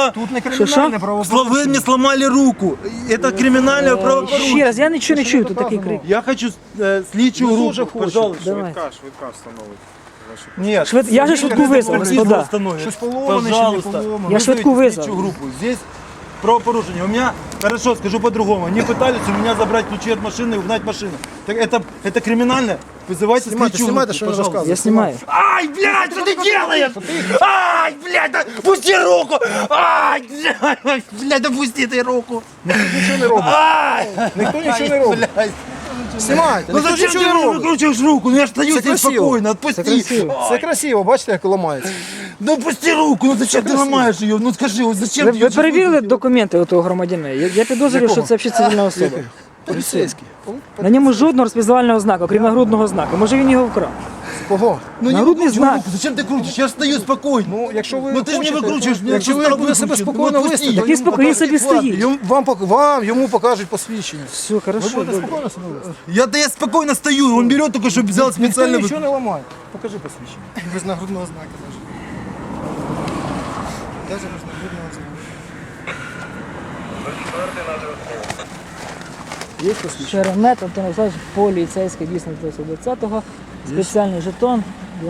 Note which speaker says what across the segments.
Speaker 1: меня...
Speaker 2: Тут не кримінальне правопорушення.
Speaker 1: Вы мне сломали руку. Это криминальное правопорушение.
Speaker 3: Ще раз, я нічого не чую, тут такий крик.
Speaker 1: Я хочу слідчу групу, пожалуйста.
Speaker 3: Давай.
Speaker 4: Швидка встановить.
Speaker 2: Ні,
Speaker 3: Я же швидку визвав, господа.
Speaker 2: щось поломане чи не
Speaker 1: Пожалуйста.
Speaker 2: поломане.
Speaker 3: Я швидку визвав.
Speaker 1: Слідчу групу. Здесь правопорушение. У меня, хорошо, скажу по-другому, они пытались у меня забрать ключи от машины и угнать машину. Так это криминально? Вызывайте слідчу групу,
Speaker 2: Знімайте, що він
Speaker 1: пожалуйста.
Speaker 2: розказує.
Speaker 3: Я знімаю.
Speaker 1: Ай, блядь, что ты делаешь? Ай, блядь, да, пусти руку! Ай, блядь, да пусти ты руку!
Speaker 2: Нічого не робить.
Speaker 1: Ай,
Speaker 2: Ніхто нічого не робить.
Speaker 1: блядь.
Speaker 2: Знімайте.
Speaker 1: Ну
Speaker 2: Ніхто
Speaker 1: зачем
Speaker 2: нічого
Speaker 1: ты
Speaker 2: не
Speaker 1: мне
Speaker 2: робить.
Speaker 1: выкручиваешь руку? Ну я ж стою
Speaker 2: Це
Speaker 1: здесь
Speaker 2: красиво.
Speaker 1: спокойно, отпусти.
Speaker 2: Це красиво, бачите, як ламається.
Speaker 1: Ну пусти руку, ну зачем ты ломаешь ее? Ну скажи, вот зачем
Speaker 3: Ви,
Speaker 1: ты
Speaker 3: ви
Speaker 1: её
Speaker 3: перевірили документи у того громадянина? Я підозрюю, що це взагалі цивільна особа.
Speaker 2: Поліцейський.
Speaker 3: На ньому жодного розпізнавального знаку, окрім нагрудного знаку. Може він його вкрав?
Speaker 2: Кого?
Speaker 1: Ну не
Speaker 3: Народный
Speaker 1: выкручивай
Speaker 3: знак.
Speaker 1: руку, зачем ты крутишь? Я стою спокойно.
Speaker 2: Ну, якщо ви
Speaker 1: Ну ти ж не
Speaker 2: хочете,
Speaker 1: викручуєш, мене
Speaker 2: якщо ви
Speaker 1: просто
Speaker 2: будете себе
Speaker 1: викручуєш.
Speaker 2: спокійно
Speaker 1: Ну,
Speaker 2: вести,
Speaker 1: пусти.
Speaker 2: то
Speaker 3: Так він спокійно собі стоїть.
Speaker 2: йому покажуть посвідчення.
Speaker 3: Все, хорошо, добре.
Speaker 2: Спокійно себе вести.
Speaker 1: Я спокойно стою, он берет только, чтобы взял
Speaker 2: Ніхто
Speaker 1: специально.
Speaker 2: нічого не ламає. Покажи посвідчення. Без нагрудного знака даже. Даже без нагрудного знака. Є посвідчення?
Speaker 3: Шеремет Антон Олександрович, поліцейський, дійсно 20-го. Спеціальний жетон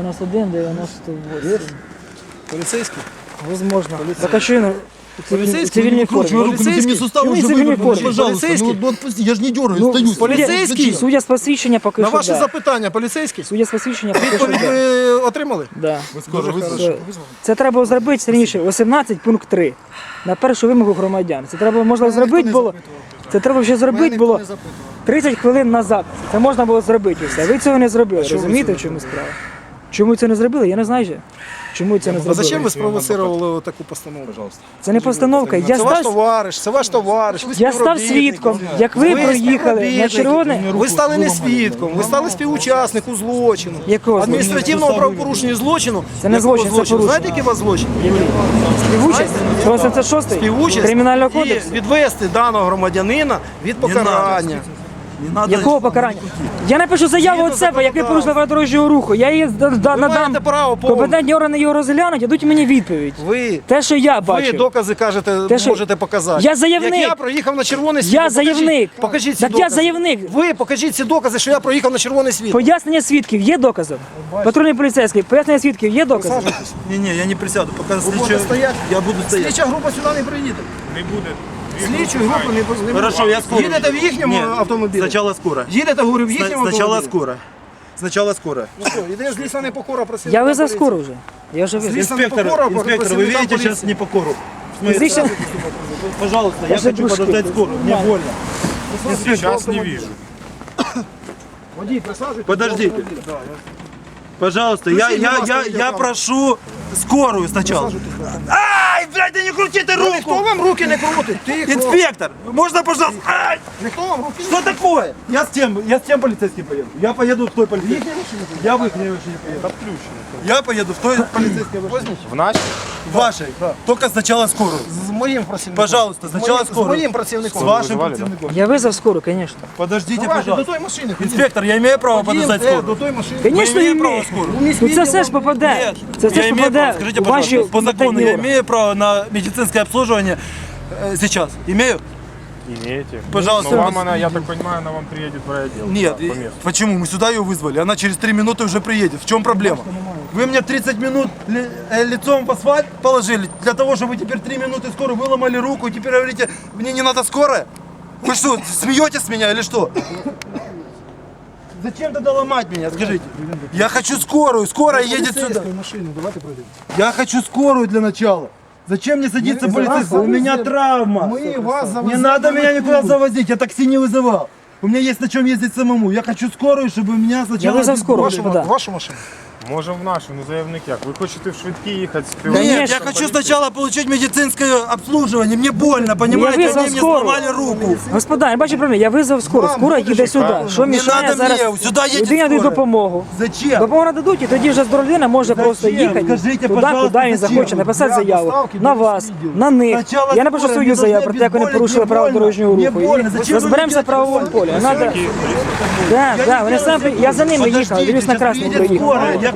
Speaker 3: 91-98.
Speaker 2: Поліцейський?
Speaker 3: Возможно. Так а що він у
Speaker 1: Полицейский,
Speaker 3: цивільній формі?
Speaker 1: руку, ну ты мне сустав
Speaker 3: Ну,
Speaker 1: уже
Speaker 3: в цивильной
Speaker 1: вывернул,
Speaker 3: форме.
Speaker 1: пожалуйста.
Speaker 2: Полицейский?
Speaker 1: Ну отпусти, я ж не дергаю,
Speaker 3: Ну,
Speaker 1: стою.
Speaker 2: полицейский?
Speaker 1: Зачем?
Speaker 3: Судя з посвідчення поки
Speaker 2: На
Speaker 3: що
Speaker 2: ваше
Speaker 3: да.
Speaker 2: запитання, поліцейський?
Speaker 3: Судя з посвідчення поки що
Speaker 2: Відповідь
Speaker 3: да.
Speaker 2: ви отримали?
Speaker 3: Да.
Speaker 1: Скоро
Speaker 3: Все. Це треба зробити раніше, 18 пункт 3, на першу вимогу громадян. Це треба, можна зробити було, це треба вже зробити було 30 хвилин назад. Це можна було зробити все. Ви цього не зробили, розумієте, в чому справа? Чому це не зробили, я не знаю ще. Чому це не
Speaker 2: А
Speaker 3: зробили?
Speaker 2: зачем ви спровоцировали таку постанову?
Speaker 3: Це не постановка. Я
Speaker 2: Це ваш
Speaker 3: став,
Speaker 2: товариш, це ваш товариш. ви
Speaker 3: я став
Speaker 2: співробітник.
Speaker 3: свідком, як ви проїхали на
Speaker 2: співробітник.
Speaker 3: червоне.
Speaker 2: Ви стали не свідком, ви стали співучасником злочину.
Speaker 3: Якого
Speaker 2: Адміністративного правопорушення злочину.
Speaker 3: Це не
Speaker 2: Якого
Speaker 3: злочин, це
Speaker 2: злочину?
Speaker 3: порушення.
Speaker 2: Знаєте, який у вас злочин?
Speaker 3: Співучасть? 186
Speaker 2: Співучасть
Speaker 3: Кримінального
Speaker 2: і
Speaker 3: кодексу?
Speaker 2: відвести даного громадянина від покарання.
Speaker 1: Не надо.
Speaker 3: Якого покарання? Я напишу заяву від себе, як ви порушили правила дорожнього руху. Я її надам.
Speaker 2: маєте право повне.
Speaker 3: Компетентні органи його розглянуть, дадуть мені відповідь.
Speaker 2: Ви
Speaker 3: Те, що я
Speaker 2: Ви
Speaker 3: бачив.
Speaker 2: докази кажете,
Speaker 3: Те, що-
Speaker 2: можете показати.
Speaker 3: Я заявник.
Speaker 2: Як я проїхав на червоний світ.
Speaker 3: Я заявник.
Speaker 2: Покажіть ці
Speaker 3: Так я
Speaker 2: докази.
Speaker 3: заявник.
Speaker 2: Ви покажіть ці докази, що я проїхав на червоний світ.
Speaker 3: Пояснення свідків є доказом? Патрульний поліцейський, пояснення свідків є доказом?
Speaker 1: Не, я не присяду, пока
Speaker 2: будете
Speaker 1: слідча...
Speaker 2: стоять?
Speaker 1: Я буду стоять.
Speaker 2: Слідча група сюди не приїде.
Speaker 4: Не буде.
Speaker 2: Слідчу групу не буде.
Speaker 1: Хорошо, я скоро.
Speaker 2: Їдете в їхньому
Speaker 1: Нет,
Speaker 2: автомобілі?
Speaker 1: Сначала скоро.
Speaker 2: Їдете, говорю, в їхньому
Speaker 1: Сначала
Speaker 2: автомобілі?
Speaker 1: скоро. Сначала скоро.
Speaker 2: Ну що, іде злісна непокора просити.
Speaker 3: Я визвав скоро вже. Я вже визвав.
Speaker 2: Звісно,
Speaker 1: Инспектор,
Speaker 2: непокора,
Speaker 1: инспектор, вы
Speaker 2: працівникам
Speaker 1: видите
Speaker 2: поліції.
Speaker 1: сейчас непокору?
Speaker 3: Фізично-
Speaker 1: Пожалуйста, я
Speaker 3: Даже
Speaker 1: хочу
Speaker 3: душки.
Speaker 1: подождать скорую, мне больно.
Speaker 4: Сейчас не вижу.
Speaker 2: Водій, присаджуйтесь.
Speaker 1: Подождите. Пожалуйста, я прошу скорую сначала. Ай, блядь, да не крути ты
Speaker 2: Ніхто
Speaker 1: руку!
Speaker 2: вам руки не крутить. Тихо.
Speaker 1: Инспектор, можно, пожалуйста? Ай!
Speaker 2: Ніхто вам руки не
Speaker 1: Что такое? Я с тем полицейским поеду. Я поеду в той полицейской. Я в их машине поеду. Я поеду в той полицейской машине.
Speaker 4: В нашій?
Speaker 1: Вашей. Только сначала скорую.
Speaker 2: З моїм працівником.
Speaker 1: Пожалуйста, сначала
Speaker 2: З
Speaker 1: скорую.
Speaker 2: моїм
Speaker 1: С
Speaker 2: працівником.
Speaker 1: вашим
Speaker 4: вызывали, да?
Speaker 1: противником.
Speaker 3: Я визвав скоро, звісно.
Speaker 1: Подождите,
Speaker 2: Давайте, до
Speaker 1: пожалуйста.
Speaker 2: той машини.
Speaker 1: Инспектор, я имею право подождать
Speaker 2: До
Speaker 1: скорую?
Speaker 2: той машини.
Speaker 3: Звісно,
Speaker 1: имею право
Speaker 3: імею.
Speaker 1: скорую?
Speaker 3: Ну це все ж попаде.
Speaker 1: Нет,
Speaker 3: Це все
Speaker 1: я
Speaker 3: ж
Speaker 1: имею право.
Speaker 3: попаде
Speaker 1: Скажите,
Speaker 3: у ваші
Speaker 1: пожалуйста, по закону
Speaker 3: компетентні
Speaker 1: я
Speaker 3: органи.
Speaker 1: имею право на медицинское обслуживание сейчас? Имею?
Speaker 4: Имеете.
Speaker 1: Пожалуйста.
Speaker 4: Но вам она, я так понимаю, она вам приедет в райотдел.
Speaker 1: Нет,
Speaker 4: Да, по месту.
Speaker 1: почему? Мы сюда ее вызвали, она через 3 минуты уже приедет. В чем проблема? Вы мне 30 минут лицом в асфальт положили, для того, чтобы вы теперь 3 минуты скорую выломали руку, и теперь говорите, мне не надо скорая? Вы что, смеетесь с меня или что? Зачем тогда ломать меня, скажите? Я хочу скорую, скорая едет сюда.
Speaker 2: Машину, давайте пройдемо.
Speaker 1: Я хочу скорую для начала. Зачем мне садиться в полицейскую? У меня травма.
Speaker 2: Мы вас завозим.
Speaker 1: Не надо меня никуда завозить, я такси не вызывал. У меня есть на чем ездить самому. Я хочу скорую, чтобы меня сначала...
Speaker 3: Я вызов скорую.
Speaker 1: обезболили.
Speaker 3: Господа.
Speaker 2: Вашу машину.
Speaker 4: Можемо в нашу, ну заявник як. Ви хочете в швидкі їхати з
Speaker 1: Нет, я
Speaker 3: Конечно.
Speaker 1: хочу сначала получить медицинское обслуживание. Мне больно, понимаете?
Speaker 3: вызвал
Speaker 1: Они мне
Speaker 3: скорую.
Speaker 1: сломали руку.
Speaker 3: Господа, я бачу проблему, я визвав скоро.
Speaker 2: Вам
Speaker 3: Скоро
Speaker 2: буде
Speaker 3: їде сюди.
Speaker 2: шикарно.
Speaker 3: Що
Speaker 1: Не
Speaker 3: мішає
Speaker 1: надо
Speaker 3: зараз?
Speaker 1: мне, сюда едет
Speaker 3: Людині дають
Speaker 1: скорая.
Speaker 3: допомогу.
Speaker 1: Зачем?
Speaker 3: Допомога дадуть, і тоді вже здорова людина може просто
Speaker 1: Зачем?
Speaker 3: їхати
Speaker 1: Скажите,
Speaker 3: туди,
Speaker 1: пожалуйста,
Speaker 3: куди він
Speaker 1: зачем?
Speaker 3: захоче, написати
Speaker 2: Для
Speaker 3: заяву
Speaker 2: доставки
Speaker 3: на
Speaker 2: до
Speaker 3: вас,
Speaker 2: відділу.
Speaker 3: на них.
Speaker 1: Сначала
Speaker 3: Я напишу
Speaker 1: скорая,
Speaker 3: свою
Speaker 1: мне
Speaker 3: заяву
Speaker 1: должны
Speaker 3: про те, як вони
Speaker 1: обезболить,
Speaker 3: порушили
Speaker 1: мне
Speaker 3: правила
Speaker 1: больно.
Speaker 3: дорожнього
Speaker 1: Мне
Speaker 3: руху.
Speaker 1: больно.
Speaker 3: І
Speaker 1: Зачем вы
Speaker 3: розберемося в
Speaker 1: мне
Speaker 3: правовому
Speaker 1: делаете
Speaker 3: полі. Надо...
Speaker 1: Я
Speaker 3: Я за ними
Speaker 1: не
Speaker 3: їхав,
Speaker 1: делаю
Speaker 3: дивлюсь на красному
Speaker 1: Приедет
Speaker 3: проїхав.
Speaker 1: скорая, я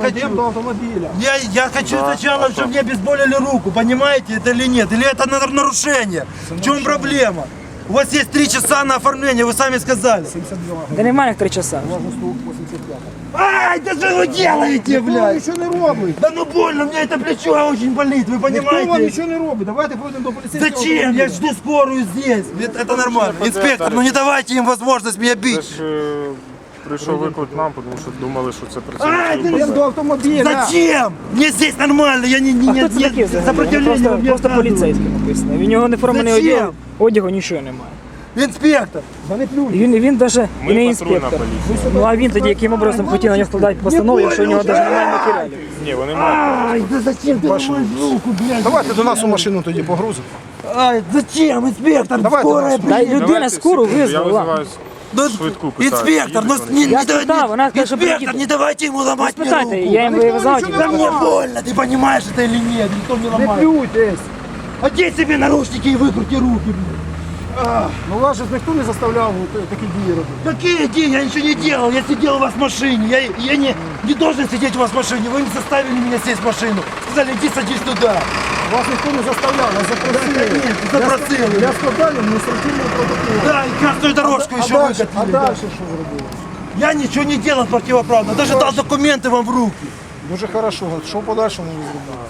Speaker 1: хочу.
Speaker 2: до автомобиля.
Speaker 1: Я хочу сначала, чтобы мне обезболили руку, понимаете это или нет? Или это нарушение? В чем проблема? У вас есть 3 часа на оформление, вы сами сказали.
Speaker 3: Та немає їх 3 часа.
Speaker 1: Ай, да что вы делаете,
Speaker 2: Ніхто
Speaker 1: блядь?
Speaker 2: нічого не робить.
Speaker 1: Да ну больно, мне это плечо очень болит, вы
Speaker 2: Ніхто вам
Speaker 1: понимаете?
Speaker 2: нічого не робить. Давайте пройдемо до поліцейського.
Speaker 1: Зачем? Я жду скорую здесь. Это нормально. Инспектор, ну не давайте им возможность меня
Speaker 4: Це
Speaker 1: бить.
Speaker 4: ж прийшов виклик нам, тому що думали, що це
Speaker 1: Ай,
Speaker 4: працівники.
Speaker 2: Йдемо до автомобіля.
Speaker 1: Зачем? Мне здесь нормально, я не
Speaker 3: А хто це такий взагалі?
Speaker 1: сопротивления
Speaker 3: Просто,
Speaker 1: мне
Speaker 3: просто
Speaker 1: оказываю.
Speaker 3: поліцейський написано. Він його не формений
Speaker 1: Зачем?
Speaker 3: одягу, нічого немає.
Speaker 1: Инспектор.
Speaker 2: Да не плюй.
Speaker 3: І він навіть і не
Speaker 4: Ми патрульна
Speaker 3: інспектор.
Speaker 4: поліція.
Speaker 3: Ну а він тоді яким образом хотів на нього складати постанову, якщо у нього навіть немає матеріалів.
Speaker 4: Ні, вони мають.
Speaker 1: Ай, да зачем ты ломаешь руку, блядь?
Speaker 2: Давайте до нас у машину тоді погрузимо.
Speaker 1: Ай, зачем, инспектор?
Speaker 2: Давайте
Speaker 1: Скорая
Speaker 2: нас.
Speaker 3: Та й
Speaker 1: приедет.
Speaker 3: людина скору
Speaker 4: Я
Speaker 3: визвала.
Speaker 4: визиваю
Speaker 1: Ну,
Speaker 4: швидку, питаю.
Speaker 1: инспектор, ну
Speaker 4: їдете
Speaker 1: не,
Speaker 3: Я
Speaker 1: не, да-
Speaker 3: спитав, вона сказала, що
Speaker 1: инспектор,
Speaker 3: приїде.
Speaker 1: не давайте ему ломать мне
Speaker 3: Спитайте,
Speaker 1: руку.
Speaker 3: я їм визвав.
Speaker 1: Да мне больно, ты понимаешь это или нет? Никто не
Speaker 2: Не
Speaker 1: ломает.
Speaker 2: плюйтесь.
Speaker 1: Одень себе наручники и выкрути руки, блядь.
Speaker 2: Ну вас же ніхто не заставляв такі дії робити.
Speaker 1: Какие деньги? Я ничего не делал, я сидел у вас в машине. Я не должен сидеть у вас в машине. Вы не заставили меня сесть в машину. Сказали, иди садись туда.
Speaker 2: Вас ніхто не заставляв, вас запросили.
Speaker 1: Да, конечно, запросили.
Speaker 2: Для складання адміністративного протоколу.
Speaker 1: Да, и красную дорожку еще
Speaker 2: А
Speaker 1: выкатили.
Speaker 2: далі що зробили?
Speaker 1: Я ничего не делал противоправно. Даже дал документы вам в руки.
Speaker 2: Дуже хорошо. Що в подальшому ви зробили?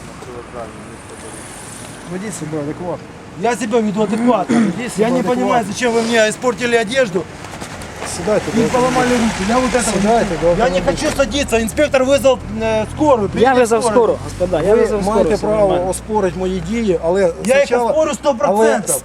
Speaker 2: Ведіть себе адекватно.
Speaker 1: Я себя веду адекватно. Я не понимаю, зачем вы мне испортили одежду
Speaker 2: Сідайте.
Speaker 1: и поломали руки. Я вот этого
Speaker 2: Сідайте,
Speaker 1: не...
Speaker 2: до
Speaker 1: Я не
Speaker 2: автомобіля.
Speaker 1: хочу садиться. Инспектор вызвал скорую.
Speaker 3: Я
Speaker 1: приедет
Speaker 3: визвав
Speaker 1: скорая.
Speaker 3: скору, господа, я
Speaker 2: Ви
Speaker 3: визвав скору.
Speaker 2: маєте
Speaker 3: все
Speaker 2: право
Speaker 3: нормально.
Speaker 2: оспорити мої дії, але
Speaker 1: Я їх
Speaker 2: спочатку-
Speaker 1: оспорю 100%.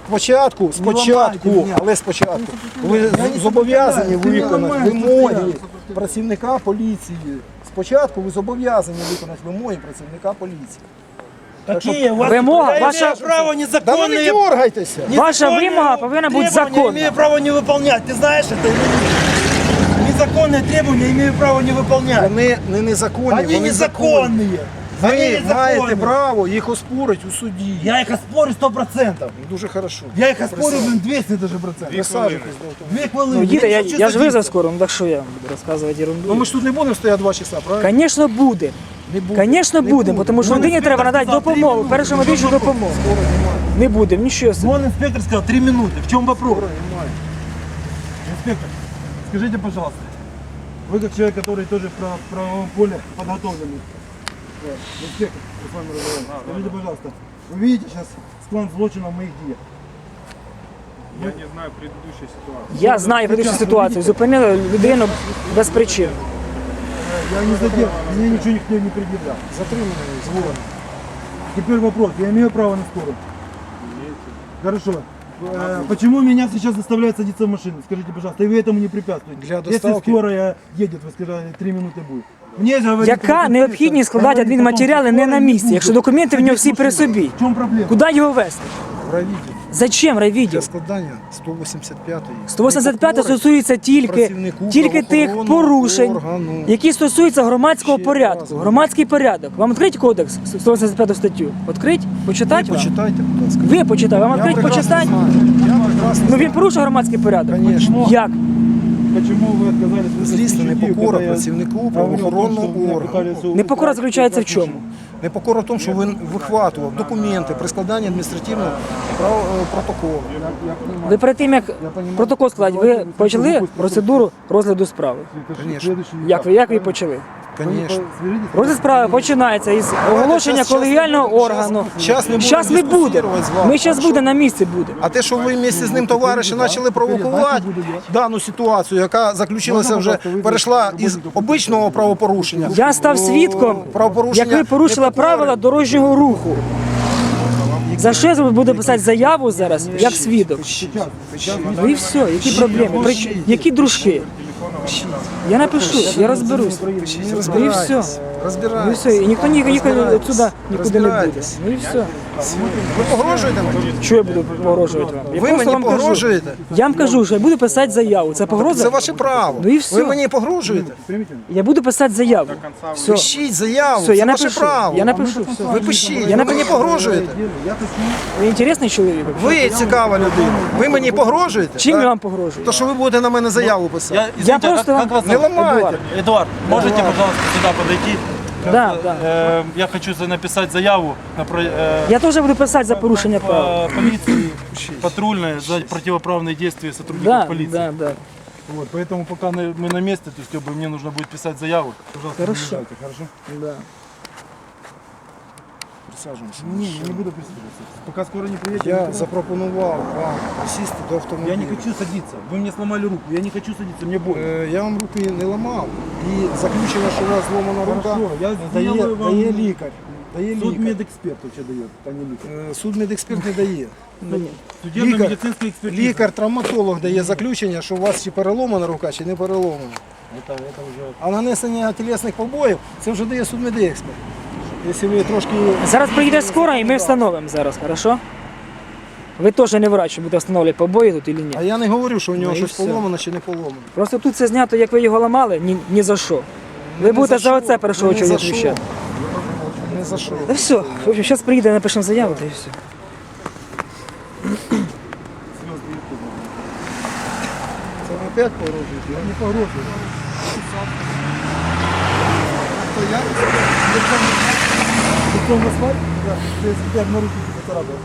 Speaker 2: але спочатку ви зобов'язані виконати вимоги працівника поліції. Спочатку ви зобов'язані виконати вимоги працівника поліції.
Speaker 1: Какие у вас
Speaker 3: Вымога,
Speaker 1: я
Speaker 3: ваша-
Speaker 1: имею право
Speaker 2: Да ви не
Speaker 1: незаконные...
Speaker 2: дергайтеся!
Speaker 3: Ваша
Speaker 1: незаконные
Speaker 3: вимога повинна бути
Speaker 1: требования
Speaker 3: законна.
Speaker 1: имею право не выполнять. Ты знаешь это? или нет? Незаконные требования имею право не выполнять.
Speaker 2: Вони не незаконні,
Speaker 1: Они
Speaker 2: вони законні.
Speaker 1: незаконные. Они
Speaker 2: Ви маєте
Speaker 1: незаконные.
Speaker 2: право їх оспорити у суді.
Speaker 1: Я их оспорю 100%.
Speaker 2: Дуже хорошо.
Speaker 1: Я их оспорю, блин, 200 даже процентов.
Speaker 2: Присаджуйтесь до автомобіля.
Speaker 1: 2 хвилини.
Speaker 3: Ну, їде, я
Speaker 1: не хочу
Speaker 3: ж визвав
Speaker 1: садитися.
Speaker 3: скору, ну так що я буду розказувати ерунду.
Speaker 2: Ну ми ж тут не будемо стояти 2 часа, правильно?
Speaker 3: Звісно, буде.
Speaker 2: Не буде.
Speaker 3: Звісно,
Speaker 2: Не
Speaker 3: будемо, тому що
Speaker 1: Вон
Speaker 3: людині треба
Speaker 1: інспектор
Speaker 3: надати
Speaker 1: сказав, 3
Speaker 3: допомогу,
Speaker 1: минути.
Speaker 3: першу медичну допомогу. Не будемо, нічого собі.
Speaker 1: Вон инспектор сказал 3 минуты. В чем вопрос? Инспектор, скажите, пожалуйста, вы как человек, который тоже в правовом поле подготовленный. Инспектор, я с вами разговариваю. Скажите, пожалуйста, вы видите сейчас склон злочина в моих диях?
Speaker 4: Я не знаю предыдущей ситуації.
Speaker 3: Я знаю предыдущу ситуацію. Зупинили людину без причин.
Speaker 1: Я не задел, мне ничего никто не предъявлял.
Speaker 2: Затриманий згодом.
Speaker 1: Теперь вопрос, я имею право на скорую? Хорошо. Почему меня сейчас заставляют садиться в машину? Скажите, пожалуйста, и вы этому не препятствуете?
Speaker 2: Для
Speaker 1: Если
Speaker 2: доставки.
Speaker 1: скорая едет, вы сказали, 3 минуты будет. Мне же говорите,
Speaker 3: Яка
Speaker 1: что
Speaker 3: необхідність складати
Speaker 1: говорите о том,
Speaker 3: адмінматеріали
Speaker 1: что
Speaker 3: не
Speaker 1: скорая
Speaker 3: на місці,
Speaker 1: будет
Speaker 3: якщо документи в нього всі при
Speaker 1: садить машину?
Speaker 3: собі?
Speaker 1: В чем проблема?
Speaker 3: Куди його везти?
Speaker 2: Правитель.
Speaker 3: Зачем райвідділ?
Speaker 2: Для складання 185-ї.
Speaker 3: 185 стосується тільки
Speaker 2: працівнику
Speaker 3: тих
Speaker 2: правоохоронного
Speaker 3: порушень,
Speaker 2: органу.
Speaker 3: які стосуються громадського
Speaker 2: Ще
Speaker 3: порядку.
Speaker 2: раз.
Speaker 3: Громадський порядок. Вам відкрить кодекс 185 статтю? Відкрить? Почитати вам?
Speaker 2: Почитайте, будь ласка.
Speaker 3: Ви почитайте, вам
Speaker 2: Я
Speaker 3: відкрить
Speaker 2: прекрасно
Speaker 3: почитати?
Speaker 2: знаю. Я прекрасно
Speaker 3: Ну він
Speaker 2: знаю.
Speaker 3: порушує громадський порядок.
Speaker 2: Конечно.
Speaker 3: Як?
Speaker 1: Почему вы отказались?
Speaker 2: Злісна непокора працівнику правоохоронного органу.
Speaker 3: Непокора заключається в чому?
Speaker 2: Непокора в тому, що він вихватував документи при складанні адміністративного протоколу.
Speaker 3: Ви перед тим, як протокол складати, ви почали процедуру розгляду справи.
Speaker 2: Конечно.
Speaker 3: Як ви почали?
Speaker 2: Звісно.
Speaker 3: Розгляд справи починається із оголошення
Speaker 2: щас
Speaker 3: колегіального
Speaker 2: не будемо,
Speaker 3: органу.
Speaker 2: щас не будемо
Speaker 3: Зараз не буде.
Speaker 2: дискусувати з вами.
Speaker 3: Ми зараз
Speaker 2: Хорошо.
Speaker 3: буде на місці буде.
Speaker 2: А те, що ви вместе з ним товариші почали провокувати дану ситуацію, яка заключилася вже, перейшла із обичного правопорушення.
Speaker 3: Я став свідком,
Speaker 2: правопорушення
Speaker 3: як ви порушили
Speaker 2: непокори.
Speaker 3: правила дорожнього руху. За що я буду писати заяву зараз, як свідок? Ну і все, які проблеми? Які дружки? Я напишу, я розберусь. Ну і все.
Speaker 2: Розбирайтесь.
Speaker 3: Ну і
Speaker 2: Розбирайтесь.
Speaker 3: все. І ніхто нікуди відсюди нікуди не буде.
Speaker 2: Розбирайтесь.
Speaker 3: Ну і все.
Speaker 2: Ви погрожуєте мені?
Speaker 3: Що я буду погрожувати вам? Я
Speaker 2: Ви
Speaker 3: просто
Speaker 2: мені
Speaker 3: вам кажу.
Speaker 2: погрожуєте?
Speaker 3: Я вам кажу, що я буду писати заяву. Це погроза?
Speaker 2: Це ваше право.
Speaker 3: Ну і все.
Speaker 2: Ви мені погрожуєте?
Speaker 3: Я буду писати заяву. Все,
Speaker 2: Пишіть заяву,
Speaker 3: все, я
Speaker 2: це ваше
Speaker 3: напишу.
Speaker 2: право.
Speaker 3: Я напишу. Все.
Speaker 2: Ви пишіть,
Speaker 3: Я
Speaker 2: ви мені
Speaker 3: напишу.
Speaker 2: погрожуєте?
Speaker 3: Ви інтересний чоловік?
Speaker 2: Ви цікава людина. Ви мені погрожуєте?
Speaker 3: Чим
Speaker 2: Так?
Speaker 3: я вам погрожую?
Speaker 2: То, що ви будете на мене заяву писати.
Speaker 3: Я просто вам...
Speaker 2: Не ламайте.
Speaker 1: Эдуард, можете, пожалуйста, сюда подойти?
Speaker 3: Да, да.
Speaker 1: Я хочу написать заяву на
Speaker 3: Я теж буду писати за порушення прав.
Speaker 1: полиции патрульной за противоправные действия сотрудников
Speaker 3: Да,
Speaker 1: полиции.
Speaker 3: да, да.
Speaker 1: Вот, поэтому пока мы на месте, то есть как бы мне нужно будет писать заяву. Пожалуйста,
Speaker 3: Хорошо.
Speaker 1: не мешайте, хорошо?
Speaker 3: Да.
Speaker 2: Присаджуємося.
Speaker 1: Не буду присаживаться. Пока скоро не приедете.
Speaker 2: Я запропонував вам сісти до автомобіля.
Speaker 1: Я не хочу садиться. Вы мне сломали руку. Я не хочу садиться, мне больно.
Speaker 2: Я вам руки не ламав. І заключено, що у вас зломана рука,
Speaker 1: Хорошо, я сделаю вам-
Speaker 2: дає лікар. Дає лікар.
Speaker 1: Судмедэксперт вообще дает, а не лікар.
Speaker 2: Судмедексперт не дає.
Speaker 1: Судебно-медицинская экспертиза.
Speaker 2: Лікар-травматолог дає заключення, що у вас чи переломана рука, чи не переломана.
Speaker 1: Это уже...
Speaker 2: А нанесення тілесних побоїв, це вже дає судмедексперт. Якщо ви трошки...
Speaker 3: Зараз приїде скоро і ми встановимо зараз, хорошо? Ви теж не врач, що будете встановлювати побої тут чи ні.
Speaker 2: А я не говорю, що у нього
Speaker 3: Ну і
Speaker 2: щось
Speaker 3: все.
Speaker 2: поломано чи не поломано.
Speaker 3: Просто тут це знято, як ви його ламали, ні за що. Ви будете за оце першого
Speaker 2: Не за
Speaker 3: чоловіка
Speaker 2: що.
Speaker 3: відповідати.
Speaker 2: Не за що.
Speaker 3: Та все, в общем, зараз приїде, напишемо заяву, та і все.
Speaker 2: Це ви опять погрожуєте? Я не погрожую. То я?
Speaker 1: Лицом в асфальт? Да. То есть теперь на руки поцарапал.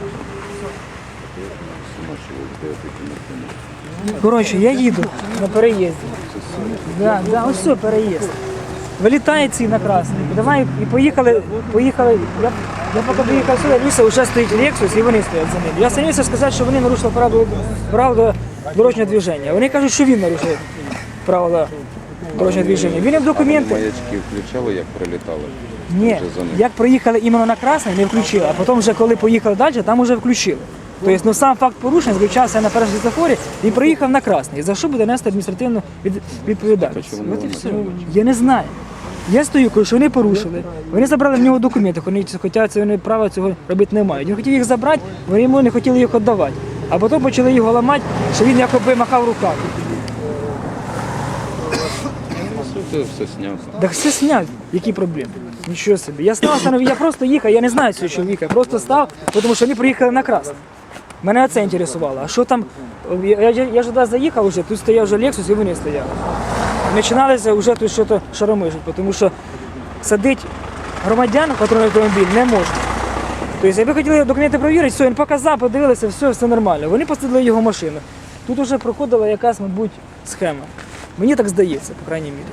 Speaker 3: Коротше, я їду на переїзді. Да, да, ось все, переїзд. Вилітає ці на красний. Давай і поїхали. Я поки приїхав сюди, дивився, вже стоїть Lexus і вони стоять за ним. Я стремився сказати, що вони нарушили правила дорожнього движення. Вони кажуть, що він нарушив правила дорожнього движення. Він їм документи.
Speaker 5: Маячки включали, як прилітали?
Speaker 3: Ні, як приїхали іменно на красний, не включили, а потім вже коли поїхали далі, там вже включили. Тобто, ну, сам факт порушення заключався на першому світлофорі і приїхав на красний. За що буде нести адміністративну відповідальність?
Speaker 5: чому
Speaker 3: От і
Speaker 5: вони
Speaker 3: все.
Speaker 5: це роблять?
Speaker 3: Я не знаю. Я стою, кажу, що вони порушили. Вони забрали в нього документи, хоча вони права цього робити не мають. Він хотів їх забрати, вони йому не хотіли їх віддавати. А потім почали його ламати, що він якоби махав руками.
Speaker 5: Це все зняв.
Speaker 3: Так все сняв, які проблеми? Нічого собі. Я став, я просто їхав, я не знаю цього чоловіка, я просто став, тому що вони приїхали на красний. Мене це інтересувало. А що там? Я ж туди заїхав вже, тут стояв вже Lexus і вони стояли. Починалося вже тут щось шаромижить, тому що садити громадян в патрульний автомобіль не можна. Тобто, якби хотіли документи перевірити, все, він показав, подивилися, все нормально. Вони посадили його машину. Тут вже проходила якась, мабуть, схема. Мені так здається, по крайній мірі.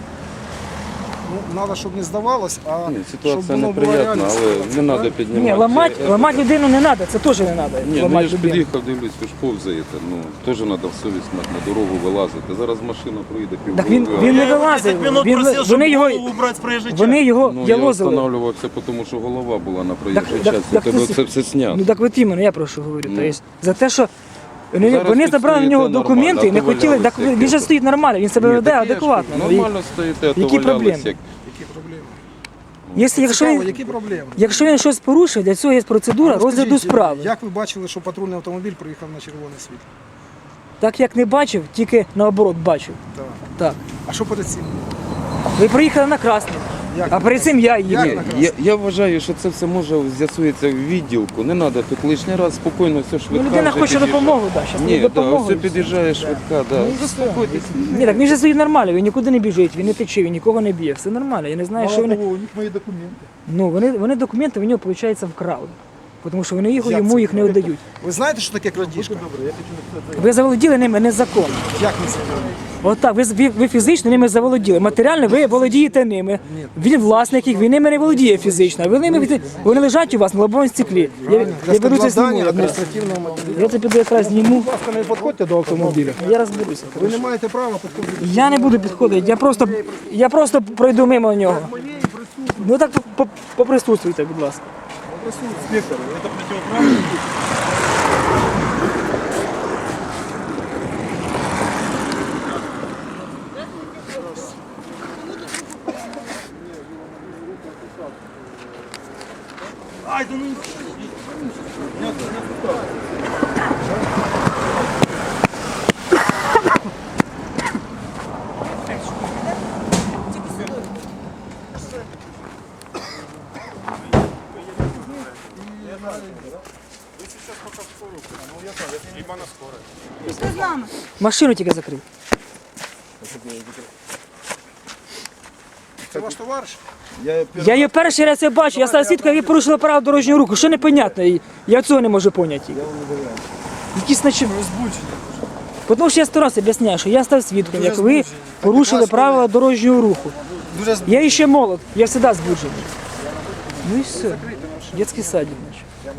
Speaker 2: Ну, треба, щоб не здавалось, а
Speaker 5: Ні,
Speaker 2: щоб
Speaker 5: ситуація
Speaker 2: воно було
Speaker 5: неприємна,
Speaker 2: реальність.
Speaker 5: але не треба піднімати.
Speaker 3: Ні, ламати людину не треба, це теж не треба.
Speaker 5: Ні, ну
Speaker 3: ламати
Speaker 5: я ж
Speaker 3: людину.
Speaker 5: під'їхав, дивлюсь, ви ж повзаєте. Ну, теж треба в совість мати, на дорогу вилазити. Зараз машина проїде
Speaker 3: Так
Speaker 5: півгодини.
Speaker 3: він не
Speaker 1: Я его
Speaker 3: вилазив.
Speaker 1: 10 минут
Speaker 3: Він,
Speaker 1: просил,
Speaker 3: вони
Speaker 1: чтобы
Speaker 3: його,
Speaker 1: голову убрать с проезжей
Speaker 3: вони його
Speaker 5: Ну, я
Speaker 3: ялозили.
Speaker 5: встановлювався, тому що голова була на проїжджій
Speaker 3: Так,
Speaker 5: частині.
Speaker 3: так,
Speaker 5: Тебе
Speaker 3: ти-
Speaker 5: це все знято.
Speaker 3: Ну так от іменно, я про що говорю.
Speaker 5: Ну.
Speaker 3: Тобто, за те, що
Speaker 5: Зараз
Speaker 3: вони
Speaker 5: тут
Speaker 3: забрали в
Speaker 5: стоїте
Speaker 3: нього
Speaker 5: нормально,
Speaker 3: документи і не
Speaker 5: а то
Speaker 3: хотіли. Так
Speaker 5: валялися
Speaker 3: він же
Speaker 5: як
Speaker 3: стоїть нормально, він себе
Speaker 5: Ні,
Speaker 3: веде
Speaker 5: так я ж
Speaker 3: адекватно.
Speaker 5: кажу, Нормально стоїте, а то
Speaker 3: які
Speaker 5: валялись
Speaker 3: проблеми?
Speaker 5: як...
Speaker 2: Які проблеми?
Speaker 3: Якщо
Speaker 2: Цікаво,
Speaker 3: він,
Speaker 2: які проблеми?
Speaker 3: якщо він щось порушив, для цього є процедура
Speaker 2: Розкажіть,
Speaker 3: розгляду справи.
Speaker 2: Як ви бачили, що патрульний автомобіль приїхав на червоне світло?
Speaker 3: Так як не бачив, тільки наоборот бачив.
Speaker 2: Так.
Speaker 3: Так.
Speaker 2: А що перед цим?
Speaker 3: Ви приїхали на красний,
Speaker 2: Як
Speaker 3: а перед цим я
Speaker 2: Як
Speaker 3: їду.
Speaker 2: на
Speaker 5: Ні,
Speaker 2: красний?
Speaker 5: я вважаю, що це все може з'ясується в відділку. Не треба тут лишній раз спокійно все швидка.
Speaker 3: Ну, людина
Speaker 5: вже
Speaker 3: хоче
Speaker 5: під'їжджає.
Speaker 3: допомогу, да, зараз
Speaker 5: Ні, да,
Speaker 3: допомогу.
Speaker 5: все під'їжджає швидка, да. Заспокойтесь.
Speaker 3: Ні, так він же стоїть нормально, він нікуди не біжить, він не тече, він нікого не б'є, все нормально. Я не знаю, що вони.
Speaker 1: у них мои документы.
Speaker 3: Ну, вони документи в нього, виходить, вкрали. Тому що вони
Speaker 2: Як
Speaker 3: йому
Speaker 2: це?
Speaker 3: їх не віддають.
Speaker 2: Ви знаєте, що таке крадіжка?
Speaker 3: Ви заволоділи ними незаконно.
Speaker 2: Як не це?
Speaker 3: Отак, ви фізично ними заволоділи. Матеріально ви володієте ними. Він власник їх, він ними не володіє фізично. Вони лежать у вас на лобовому стеклі. Я беру це зніму.
Speaker 2: складання адміністративного матеріалу.
Speaker 3: Я це піду якраз зніму.
Speaker 2: Будь ласка, не підходьте до автомобіля.
Speaker 3: Я розберуся.
Speaker 2: Ви не маєте права підходити.
Speaker 3: Я не буду підходити, я просто пройду мимо нього. Ну так поприсутствуйте, будь ласка.
Speaker 1: Инспектор, это противоправно. Ай, да ну...
Speaker 6: Пішли з нами.
Speaker 3: Машину тільки закрив.
Speaker 2: Це ваш товариш?
Speaker 3: Я її перший раз я бачу, я став свідком, як ви порушили право дорожнього руху. Що непонятно? Я цього не можу поняти. Якісь наче... Тому що я 100 раз об'ясняю, що я став свідком, як ви порушили правила дорожнього руху. Я ще молод, я завжди збуджений. Ну і все. Детський садик, значить.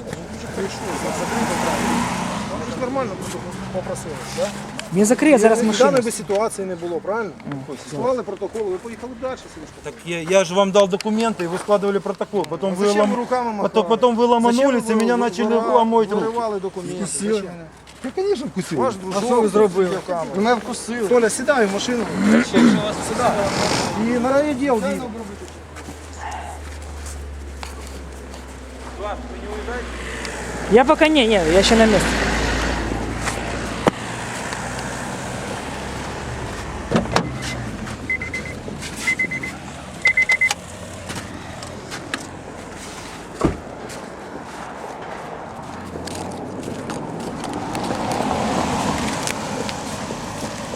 Speaker 2: Нормально попросили, так?
Speaker 3: Він закриє зараз машину.
Speaker 2: Даної би ситуації не було, правильно? Склали протокол, ви поїхали далі. Синишко.
Speaker 1: Так я же вам дал документы, и вы складывали протокол. Потом вы,
Speaker 2: Зачем вы руками махали?
Speaker 1: потом вы ломанулись,
Speaker 2: Зачем
Speaker 1: и меня
Speaker 2: ви
Speaker 1: начали
Speaker 2: виривали-
Speaker 1: ломать руки.
Speaker 2: Виривали документи. Зачем?
Speaker 1: Ну, конечно, вкусил.
Speaker 2: Ваш дружок зробив. Мене вкусили. Толя, сідай в машину. Сідай. І на райвідділ їдь.
Speaker 3: Я поки ні, я ще на місці.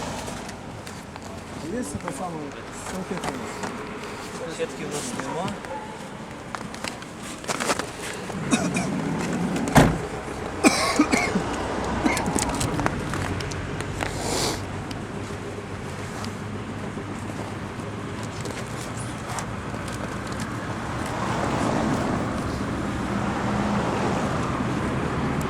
Speaker 2: Є це саме салфетки? Салфетки у нас нема.